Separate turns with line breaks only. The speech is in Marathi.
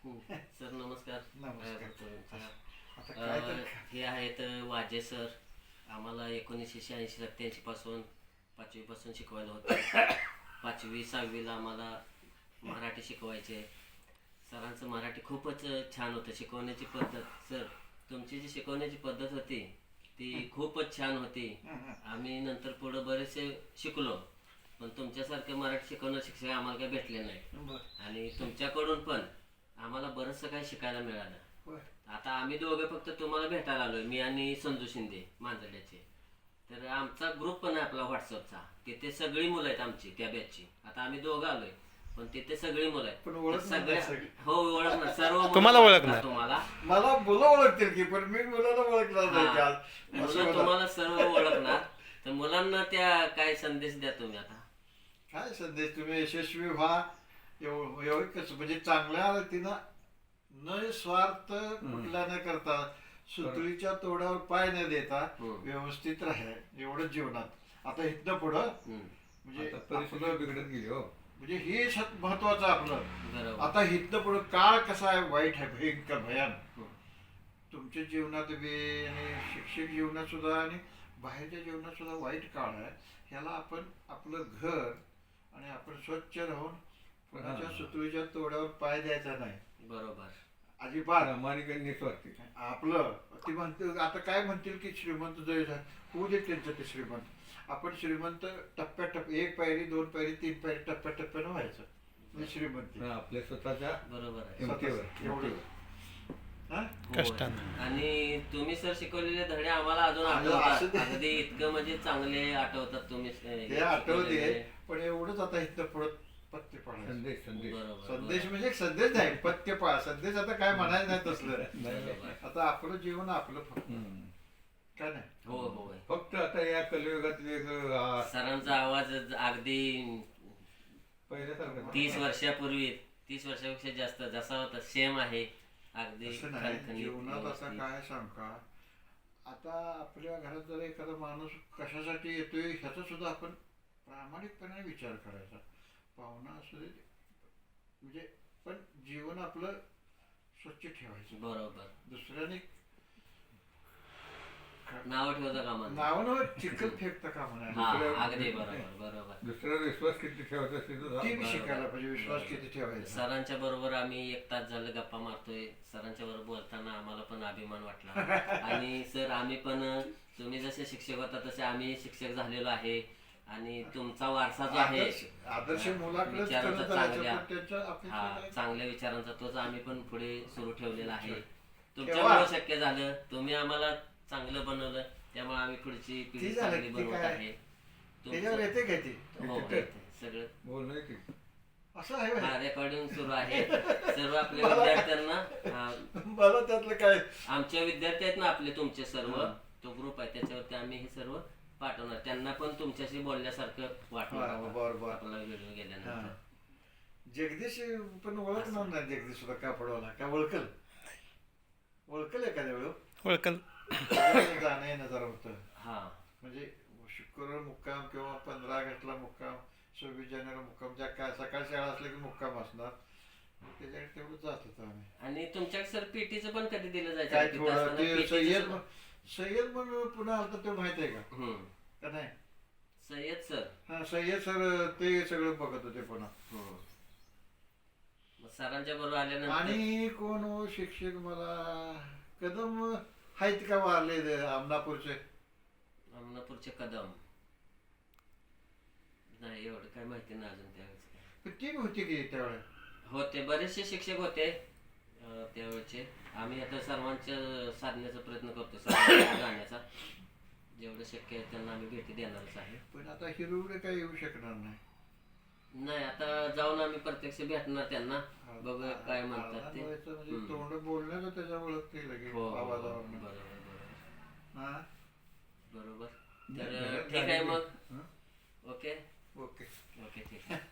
सर नमस्कार.
नमस्कार. आता काय तर
हे आहेत वाजे सर. आम्हाला 1986-87 पासून 5वी पासून शिकवायला होते. 5वी 6वीला आम्हाला मराठी शिकवायचे. सरांचं मराठी खूपच छान होतं. शिकवण्याची पद्धत सर, तुमची जी शिकवण्याची पद्धत होती ती खूपच छान होती. आम्ही नंतर पुढं बरेचसे शिकलो, पण तुमच्यासारखे मराठी शिकवणारे शिक्षक आम्हाला काही भेटले नाही. आणि तुमच्याकडून पण आम्हाला बरंचसं काही शिकायला मिळालं. आता आम्ही दोघे फक्त तुम्हाला भेटायला आलोय, मी आणि संजू शिंदे मांजरड्याचे. तर आमचा ग्रुप पण आहे आपला व्हॉट्सअपचा, तिथे सगळी मुलं आहेत आमची त्या बॅचची. आता आम्ही दोघं आलोय, पण तिथे सगळी मुलं आहेत.
पण ओळखणार
सगळ्या
नाही सगळी.
हो ओळखणार, सर्व मुलं
तुम्हाला ओळखणार.
तुम्हाला
मला मुलं ओळखतील की, पण मी मुलाला ओळखणार नाही की आज.
मुलं
असं मला-
तुम्हाला सर्व ओळखणार. तर मुलांना त्या काय संदेश द्या तुम्ही आता.
काय संदेश, तुम्ही यशस्वी व्हा. एवढं कसं म्हणजे चांगल्या रीतीनं न स्वार्थ कुठला न करता, सुतळीच्या तोडावर पाय न देता व्यवस्थित राहा एवढं जीवनात. आता इथनं पुढं म्हणजे
परिस्थिती
आपलं
बिघडत गेली हो.
म्हणजे हे महत्वाचं आपलं.
बरोबर.
आता इथनं पुढं काळ कसा आहे, वाईट आहे, भयंकर भयान. तुमच्या जीवनात बी आणि शिक्षक जीवनात सुद्धा आणि बाहेरच्या जीवनात सुद्धा वाईट काळ आहे. ह्याला आपण आपलं घर आणि आपण स्वच्छ राहून कोणाच्या सुतळीच्या तोड्यावर पाय द्यायचा नाही.
बरोबर.
अजिबात.
प्रामाणिक आणि निस्वार्थी.
आपलं ती म्हणते, आता काय म्हणतील की श्रीमंत जय होऊ दे त्यांचं ते श्रीमंत. आपण श्रीमंत टप्प्याटप्प, 1 पायरी 2 पायरी 3 पायरी टप्प्याटप्प्यानं व्हायचं म्हणजे श्रीमंती.
आपल्या स्वतःच्या
बरोबर आहे.
किमतीवर.
एवढं हा?
कष्टानं.
आणि तुम्ही सर शिकवलेले धडे आम्हाला अजून
असं
आठवतात.
ते-
अगदी इतकं म्हणजे चांगले आठवतात तुम्ही
ते आठवते, पण एवढंच आता इथं पुढं पत्ते पाडायचं.
संदेश.
बरोबर.
संदेश म्हणजे एक संदेश नाही, पत्ते पाळ. संदेश आता काय म्हणायचं नाही तसलं.
बरोबर.
आता आपलं जीवन आपलं फक्त काय नाही.
हो हो.
फक्त आता या कलियुगात वेगळं
सरांचा आवाज अगदी
पहिल्यासारखं
30 वर्षापूर्वी, 30 वर्षापेक्षा जास्त जसा होता सेम आहे. अगदी
असं नाही,
खणखणीत,
जीवनात असं
व्यवस्थित.
काय सांग का, आता आपल्या घरात जर एखादा माणूस कशासाठी येतोय ह्याचा सुद्धा आपण प्रामाणिकपणे विचार करायचा. पाहुणा असू दे म्हणजे, पण जीवन आपलं स्वच्छ ठेवायचं.
बरोबर.
दुसऱ्याने
नाव ठेवता कामा नये.
नावानं चिखल फेकता कामा नये.
हा अगदी बरोबर बरोबर.
दुसऱ्यावर विश्वास किती ठेवायचा असेल तर
ते बी शिकायला पाहिजे, विश्वास किती ठेवायचा.
सरांच्या बरोबर आम्ही 1 तास झालं गप्पा मारतोय. सरांच्या बरोबर बोलताना आम्हाला पण अभिमान वाटला. आणि सर आम्ही पण, तुम्ही जसे शिक्षक होता तसे आम्ही शिक्षक झालेलो आहे. आणि तुमचा वारसा जो आहे
आदर्श मुलाकडेच
विचारांचा
करत जायचं,
चांगल्या,
पण त्यांच्या अपेक्षा
हा
काय?
चांगल्या विचारांचा तोच आम्ही पण पुढे सुरू ठेवलेला आहे.
ठेवा.
तुमच्यामुळे शक्य झालं. तुम्ही आम्हाला चांगलं बनवलं, त्यामुळे आम्ही पुढची पिढी
ती झालं,
चांगली
ती
बनवत
काय?
आहे.
त्याच्यावर येते काय ती?
हो येते. सगळं
बोलणं की
असं आहे व्हय?
रेकॉर्डिंग सुरू आहे. सर्व आपल्या विद्यार्थ्यांना,
मला त्यातलं काय
आमच्या विद्यार्थी आहेत ना आपले, तुमचे सर्व तो ग्रुप आहे त्याच्यावरती आम्ही हे सर्व पाठवणार. त्यांना पण तुमच्याशी बोलल्यासारखं वाटणार
बरोबर.
आपला व्हिडिओ गेल्यानंतर.
जगदीश पण ओळखणार नाही. जगदीश सुद्धा कापडवाला काय ओळखल एखाद्या वेळ
ओळखल.
जाणं येणं जरा होतं.
हा
म्हणजे शुक्रवार मुक्काम किंवा 15 ऑगस्टला मुक्काम, 26 जानेवारी मुक्काम, ज्या काय सकाळी शाळा असल्या की मुक्काम असणार, त्याच्याकडे तेवढं जात होतो आम्ही.
आणि तुमच्या सर पीटीचं पण कधी दिलं
काय
जायचं तिथं
थोडं
असताना
ते
PT चं
सय्यद
सुद्धा-
सय्यद म्हणून पुन्हा आलता ते माहित आहे का? का नाही?
सय्यद सर.
हा, सय्यद सर ते सगळं बघत होते पुन्हा.
मग सरांच्या बरोबर आल्यानंतर
आणि कोण हो शिक्षक मला कदम आहेत का वारले आमनापूरचे?
अमनापूरचे कदम नाही, एवढं काय माहिती नाही अजून त्यावेळेस काय.
पण ती बी होती की त्यावेळेस?
होते बरेचसे शिक्षक होते त्यावेळेचे. आम्ही आता सर्वांच्या साधण्याचा प्रयत्न करतो, सर्वांच्या जाण्याचा. जेवढं शक्य आहे त्यांना आम्ही भेटी देणारच आहे.
पण आता हिरोकडे काही येऊ शकणार नाही.
नाही, आता जाऊन आम्ही प्रत्यक्ष भेटणार त्यांना, बघूया काय म्हणतात ते.
म्हणजे तोंड बोलण्याचं त्याच्या ओळखते लगेच
हो
आवाजावर.
बरोबर
हा,
बरोबर. तर ठीक आहे मग. Okay
okay.
ओके ठीक आहे.